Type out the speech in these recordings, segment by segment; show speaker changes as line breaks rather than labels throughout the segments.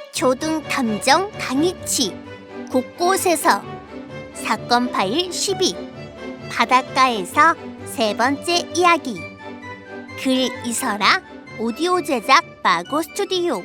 초등 탐정 강희치 곳곳에서 사건 파일 12 바닷가에서 세 번째 이야기 글 이설아 오디오 제작 마고 스튜디오.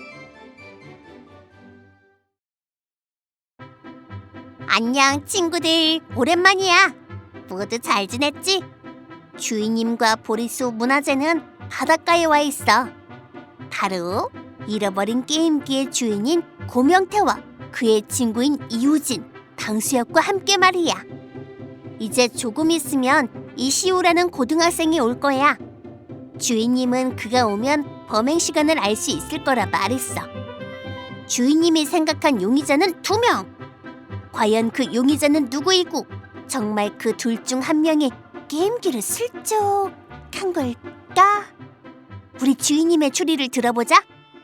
안녕 친구들, 오랜만이야. 모두 잘 지냈지? 주인님과 보리수 문화재는 바닷가에 와 있어. 바로 잃어버린 게임기의 주인인 고명태와 그의 친구인 이우진, 방수혁과 함께 말이야. 이제 조금 있으면 이시우라는 고등학생이 올 거야. 주인님은 그가 오면 범행 시간을 알 수 있을 거라 말했어. 주인님이 생각한 용의자는 2명. 과연 그 용의자는 누구이고 정말 그 둘 중 한 명이 게임기를 슬쩍 한 걸까? 우리 주인님의 추리를 들어보자.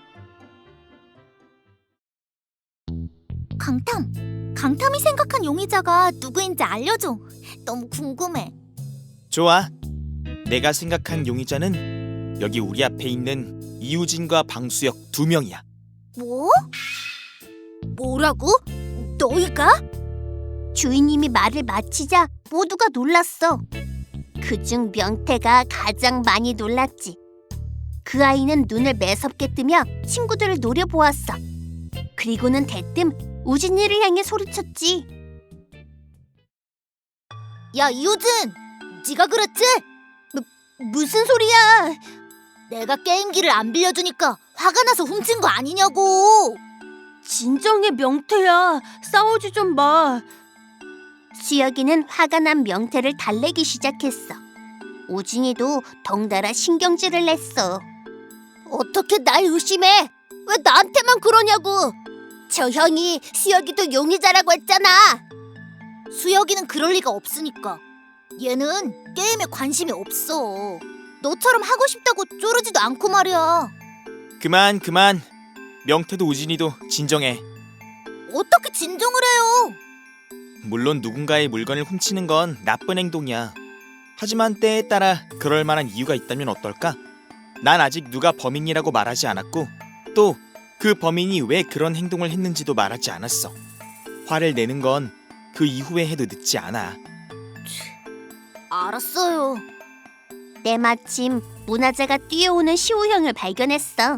강탐이 생각한 용의자가 누구인지 알려줘. 너무 궁금해.
좋아. 내가 생각한 용의자는 여기 우리 앞에 있는 이우진과 방수혁 2명이야.
뭐? 뭐라고? 너희가? 주인님이 말을 마치자 모두가 놀랐어. 그중 명태가 가장 많이 놀랐지. 그 아이는 눈을 매섭게 뜨며 친구들을 노려보았어. 그리고는 대뜸 우진이를 향해 소리쳤지. 야 이우진, 네가 그랬지? 무슨 소리야? 내가 게임기를 안 빌려주니까 화가 나서 훔친 거 아니냐고. 진정해 명태야, 싸우지 좀 마. 수혁이는 화가 난 명태를 달래기 시작했어. 우진이도 덩달아 신경질을 냈어. 어떻게 날 의심해? 왜 나한테만 그러냐고. 저 형이 수혁이도 용의자라고 했잖아. 수혁이는 그럴 리가 없으니까. 얘는 게임에 관심이 없어. 너처럼 하고 싶다고 쪼르지도 않고 말이야.
그만. 명태도 우진이도 진정해.
어떻게 진정을 해요?
물론 누군가의 물건을 훔치는 건 나쁜 행동이야. 하지만 때에 따라 그럴 만한 이유가 있다면 어떨까? 난 아직 누가 범인이라고 말하지 않았고 또 그 범인이 왜 그런 행동을 했는지도 말하지 않았어. 화를 내는 건 그 이후에 해도 늦지 않아.
알았어요. 때마침 문화재가 뛰어오는 시우 형을 발견했어.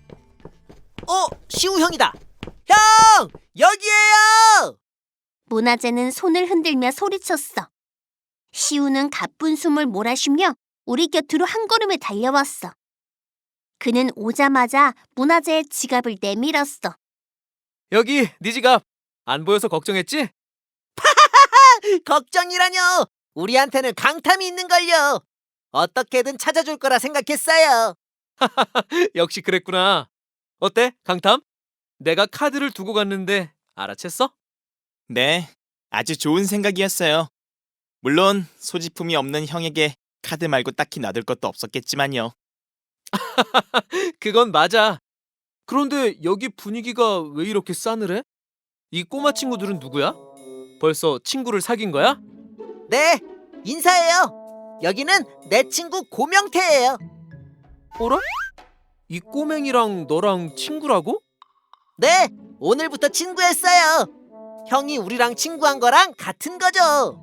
시우 형이다. 형! 여기에요!
문화재는 손을 흔들며 소리쳤어. 시우는 가쁜 숨을 몰아쉬며 우리 곁으로 한 걸음에 달려왔어. 그는 오자마자 문화재의 지갑을 내밀었어.
여기 네 지갑 안 보여서 걱정했지?
걱정이라뇨. 우리한테는 강탐이 있는걸요. 어떻게든 찾아줄 거라 생각했어요.
역시 그랬구나. 어때, 강탐? 내가 카드를 두고 갔는데 알아챘어?
네, 아주 좋은 생각이었어요. 물론 소지품이 없는 형에게 카드 말고 딱히 놔둘 것도 없었겠지만요.
그건 맞아. 그런데 여기 분위기가 왜 이렇게 싸늘해? 이 꼬마 친구들은 누구야? 벌써 친구를 사귄 거야?
네, 인사해요. 여기는 내 친구 고명태예요.
어라? 이 꼬맹이랑 너랑 친구라고?
네, 오늘부터 친구했어요. 형이 우리랑 친구한 거랑 같은 거죠.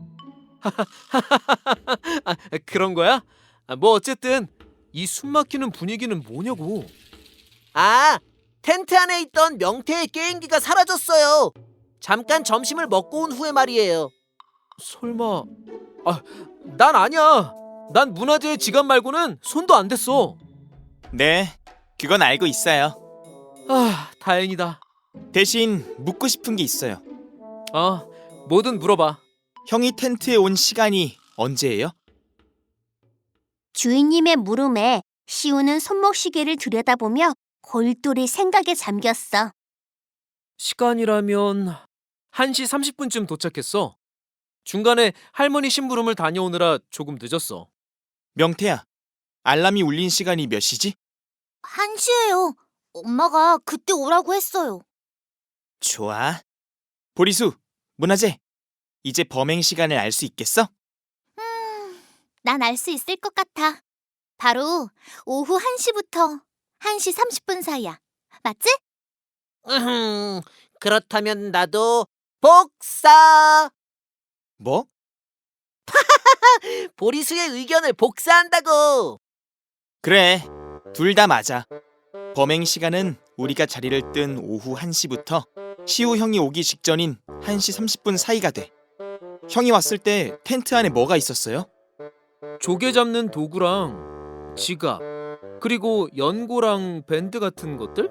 그런 거야? 뭐 어쨌든 이 숨막히는 분위기는 뭐냐고.
아, 텐트 안에 있던 명태의 게임기가 사라졌어요. 잠깐 점심을 먹고 온 후에 말이에요.
설마... 난 아니야. 난 문화재의 지갑 말고는 손도 안 댔어.
네, 그건 알고 있어요.
다행이다.
대신 묻고 싶은 게 있어요.
뭐든 물어봐.
형이 텐트에 온 시간이 언제예요?
주인님의 물음에 시우는 손목시계를 들여다보며 골똘히 생각에 잠겼어.
시간이라면 1시 30분쯤 도착했어. 중간에 할머니 심부름을 다녀오느라 조금 늦었어.
명태야, 알람이 울린 시간이 몇 시지?
1시예요. 엄마가 그때 오라고 했어요.
좋아. 보리수, 문화재, 이제 범행 시간을 알 수 있겠어?
난 알 수 있을 것 같아. 바로 오후 1시부터 1시 30분 사이야. 맞지?
그렇다면 나도 복사.
뭐?
보리수의 의견을 복사한다고.
그래, 둘 다 맞아. 범행 시간은 우리가 자리를 뜬 오후 1시부터 시우 형이 오기 직전인 1시 30분 사이가 돼. 형이 왔을 때 텐트 안에 뭐가 있었어요?
조개 잡는 도구랑 지갑, 그리고 연고랑 밴드 같은 것들?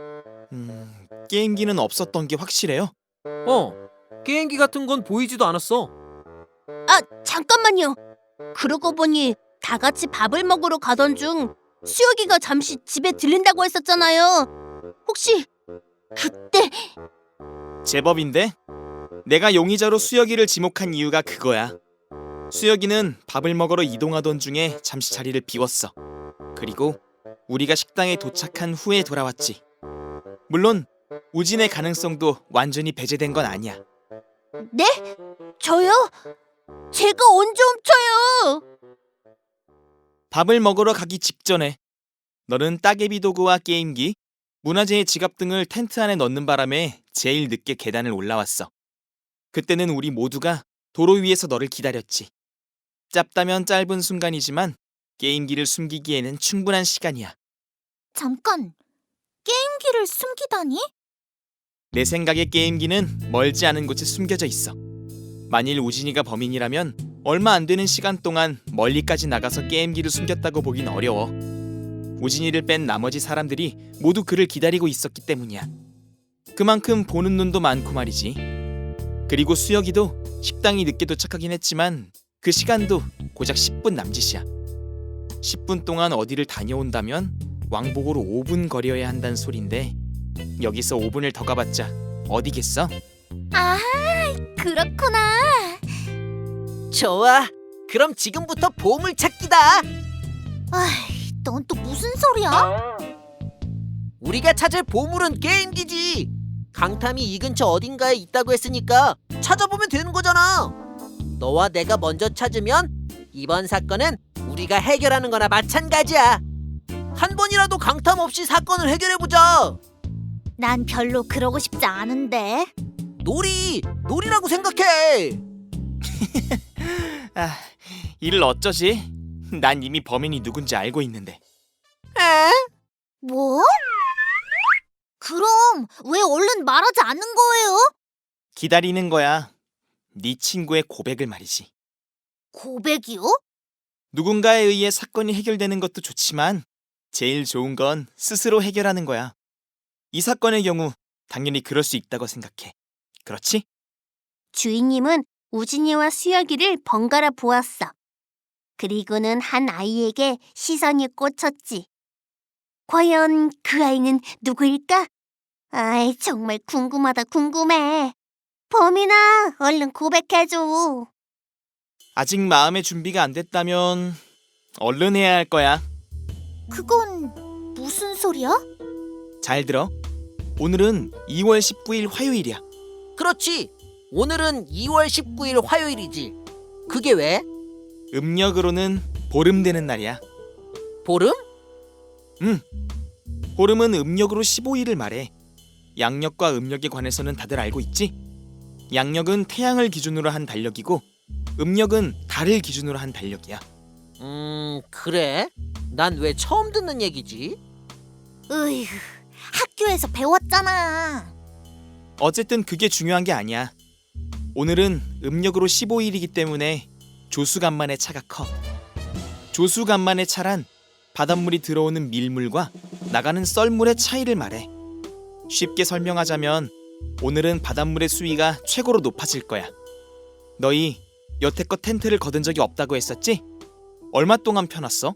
게임기는 없었던 게 확실해요?
게임기 같은 건 보이지도 않았어.
아, 잠깐만요. 그러고 보니 다 같이 밥을 먹으러 가던 중 수혁이가 잠시 집에 들린다고 했었잖아요. 혹시 그때
제법인데? 내가 용의자로 수혁이를 지목한 이유가 그거야. 수혁이는 밥을 먹으러 이동하던 중에 잠시 자리를 비웠어. 그리고 우리가 식당에 도착한 후에 돌아왔지. 물론 우진의 가능성도 완전히 배제된 건 아니야.
네? 저요? 제가 언제 훔쳐요?
밥을 먹으러 가기 직전에 너는 따개비 도구와 게임기, 문화재의 지갑 등을 텐트 안에 넣는 바람에 제일 늦게 계단을 올라왔어. 그때는 우리 모두가 도로 위에서 너를 기다렸지. 짧다면 짧은 순간이지만 게임기를 숨기기에는 충분한 시간이야.
잠깐, 게임기를 숨기다니?
내 생각에 게임기는 멀지 않은 곳에 숨겨져 있어. 만일 우진이가 범인이라면 얼마 안 되는 시간 동안 멀리까지 나가서 게임기를 숨겼다고 보긴 어려워. 우진이를 뺀 나머지 사람들이 모두 그를 기다리고 있었기 때문이야. 그만큼 보는 눈도 많고 말이지. 그리고 수혁이도 식당이 늦게 도착하긴 했지만 그 시간도 고작 10분 남짓이야. 10분 동안 어디를 다녀온다면 왕복으로 5분 거리여야 한다는 소린데 여기서 5분을 더 가봤자 어디겠어?
아, 그렇구나.
좋아. 그럼 지금부터 보물 찾기다.
아이, 넌 또 무슨 소리야?
우리가 찾을 보물은 게임기지. 강탐이 이 근처 어딘가에 있다고 했으니까 찾아보면 되는 거잖아. 너와 내가 먼저 찾으면 이번 사건은 우리가 해결하는 거나 마찬가지야. 한 번이라도 강탐 없이 사건을 해결해보자.
난 별로 그러고 싶지 않은데.
놀이라고 생각해.
아, 이를 어쩌지? 난 이미 범인이 누군지 알고 있는데.
에?
뭐? 그럼 왜 얼른 말하지 않는 거예요?
기다리는 거야. 네 친구의 고백을 말이지.
고백이요?
누군가에 의해 사건이 해결되는 것도 좋지만 제일 좋은 건 스스로 해결하는 거야. 이 사건의 경우 당연히 그럴 수 있다고 생각해. 그렇지?
주인님은 우진이와 수혁이를 번갈아 보았어. 그리고는 한 아이에게 시선이 꽂혔지. 과연 그 아이는 누구일까? 아이, 정말 궁금하다, 궁금해. 범인아, 얼른 고백해줘.
아직 마음의 준비가 안 됐다면 얼른 해야 할 거야.
그건 무슨 소리야?
잘 들어. 오늘은 2월 19일 화요일이야.
그렇지. 오늘은 2월 19일 화요일이지. 그게 왜?
음력으로는 보름 되는 날이야.
보름?
보름은 음력으로 15일을 말해. 양력과 음력에 관해서는 다들 알고 있지? 양력은 태양을 기준으로 한 달력이고 음력은 달을 기준으로 한 달력이야.
그래? 난 왜 처음 듣는 얘기지?
으휴, 학교에서 배웠잖아.
어쨌든 그게 중요한 게 아니야. 오늘은 음력으로 15일이기 때문에 조수간만의 차가 커. 조수간만의 차란 바닷물이 들어오는 밀물과 나가는 썰물의 차이를 말해. 쉽게 설명하자면 오늘은 바닷물의 수위가 최고로 높아질 거야. 너희 여태껏 텐트를 거둔 적이 없다고 했었지? 얼마 동안 펴놨어?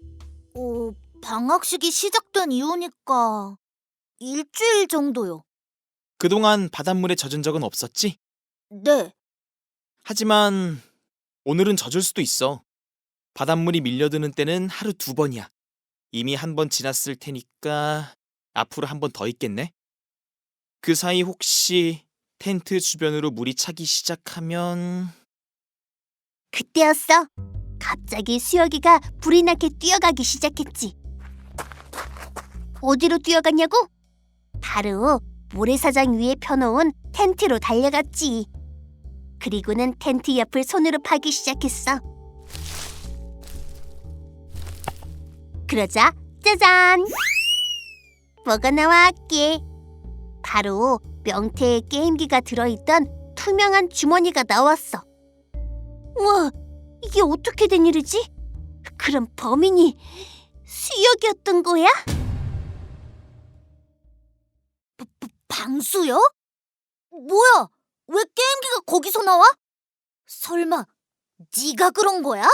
방학식이 시작된 이후니까 일주일 정도요.
그동안 바닷물에 젖은 적은 없었지?
네.
하지만 오늘은 젖을 수도 있어. 바닷물이 밀려드는 때는 하루 2번이야. 이미 한 번 지났을 테니까 앞으로 한 번 더 있겠네? 그 사이 혹시 텐트 주변으로 물이 차기 시작하면...
그때였어. 갑자기 수혁이가 불이 나게 뛰어가기 시작했지. 어디로 뛰어갔냐고? 바로 모래사장 위에 펴놓은 텐트로 달려갔지. 그리고는 텐트 옆을 손으로 파기 시작했어. 그러자 짜잔! 뭐가 나왔게? 바로 명태의 게임기가 들어있던 투명한 주머니가 나왔어. 우와, 이게 어떻게 된 일이지? 그럼 범인이 수혁이었던 거야? 방수요? 뭐야? 왜 게임기가 거기서 나와? 설마 네가 그런 거야?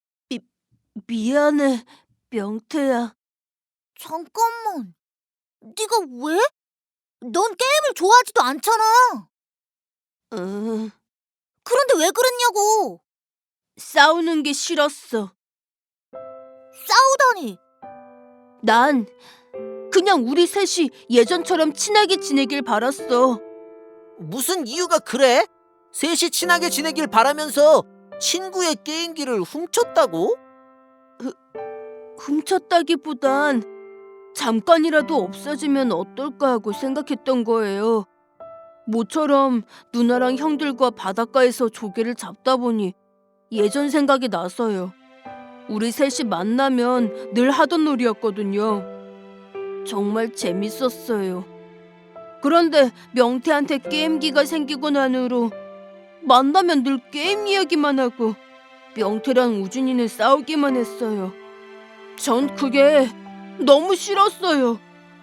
미안해, 명태야.
잠깐만, 네가 왜? 넌 게임을 좋아하지도 않잖아.
응,
그런데 왜 그랬냐고.
싸우는 게 싫었어.
싸우다니.
난 그냥 우리 셋이 예전처럼 친하게 지내길 바랐어.
무슨 이유가 그래? 셋이 친하게 지내길 바라면서 친구의 게임기를 훔쳤다고?
훔쳤다기보단 잠깐이라도 없어지면 어떨까 하고 생각했던 거예요. 모처럼 누나랑 형들과 바닷가에서 조개를 잡다 보니 예전 생각이 나서요. 우리 셋이 만나면 늘 하던 놀이였거든요. 정말 재밌었어요. 그런데 명태한테 게임기가 생기고 난 후로 만나면 늘 게임 이야기만 하고 명태랑 우준이는 싸우기만 했어요. 전 그게 너무 싫었어요.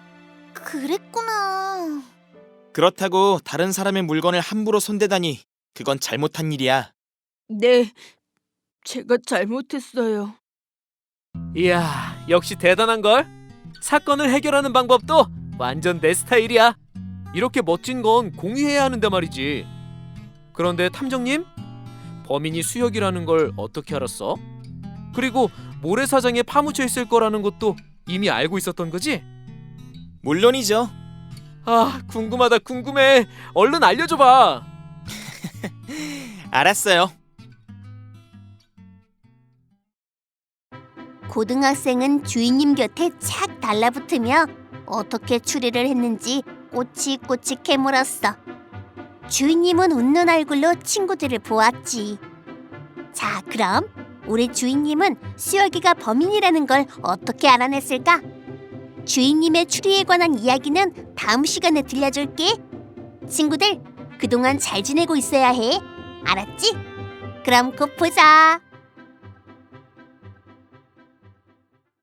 그랬구나.
그렇다고 다른 사람의 물건을 함부로 손대다니 그건 잘못한 일이야.
네, 제가 잘못했어요.
이야, 역시 대단한걸? 사건을 해결하는 방법도 완전 내 스타일이야. 이렇게 멋진 건 공유해야 하는데 말이지. 그런데 탐정님, 범인이 수혁이라는 걸 어떻게 알았어? 그리고 모래사장에 파묻혀 있을 거라는 것도 이미 알고 있었던 거지?
물론이죠.
아, 궁금하다, 궁금해. 얼른 알려줘봐.
알았어요.
고등학생은 주인님 곁에 착 달라붙으며 어떻게 추리를 했는지 꼬치꼬치 캐물었어. 주인님은 웃는 얼굴로 친구들을 보았지. 자, 그럼 우리 주인님은 수혁이가 범인이라는 걸 어떻게 알아냈을까? 주인님의 추리에 관한 이야기는 다음 시간에 들려줄게. 친구들, 그동안 잘 지내고 있어야 해. 알았지? 그럼 곧 보자.